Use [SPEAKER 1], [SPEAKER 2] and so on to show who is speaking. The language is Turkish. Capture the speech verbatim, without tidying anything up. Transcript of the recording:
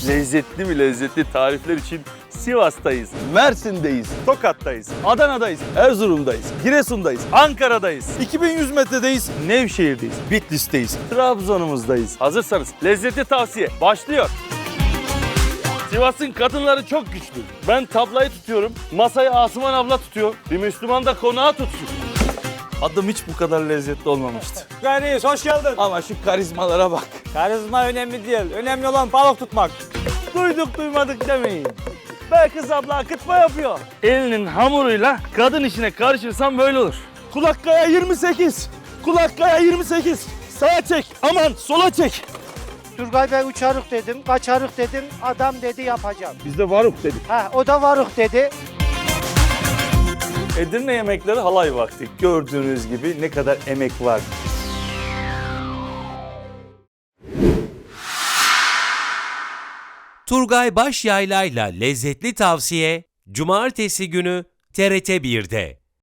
[SPEAKER 1] Lezzetli mi lezzetli tarifler için Sivas'tayız, Mersin'deyiz, Tokat'tayız, Adana'dayız, Erzurum'dayız, Giresun'dayız, Ankara'dayız, iki bin yüz metredeyiz, Nevşehir'deyiz, Bitlis'teyiz, Trabzon'umuzdayız. Hazırsanız lezzetli tavsiye başlıyor. Sivas'ın kadınları çok güçlü. Ben tablayı tutuyorum, masayı Asuman abla tutuyor. Bir Müslüman da konağı tutsun. Adım hiç bu kadar lezzetli olmamıştı.
[SPEAKER 2] Reis hoş geldin.
[SPEAKER 1] Ama şu karizmalara bak.
[SPEAKER 2] Karizma önemli değil. Önemli olan balık tutmak.
[SPEAKER 1] Duyduk duymadık demeyin. Belkıs abla akıtma yapıyor. Elinin hamuruyla kadın işine karışırsan böyle olur. Kulakkaya yirmi sekiz. Kulakkaya yirmi sekiz. Sağa çek. Aman sola çek.
[SPEAKER 3] Turgay Bey uçarık dedim, kaçarık dedim, adam dedi yapacağım.
[SPEAKER 1] Biz de varuk dedik.
[SPEAKER 3] Ha, o da varık dedi.
[SPEAKER 1] Edirne yemekleri halay vakti. Gördüğünüz gibi ne kadar emek var.
[SPEAKER 4] Turgay Başyaylay'la lezzetli tavsiye Cumartesi günü T R T bir'de.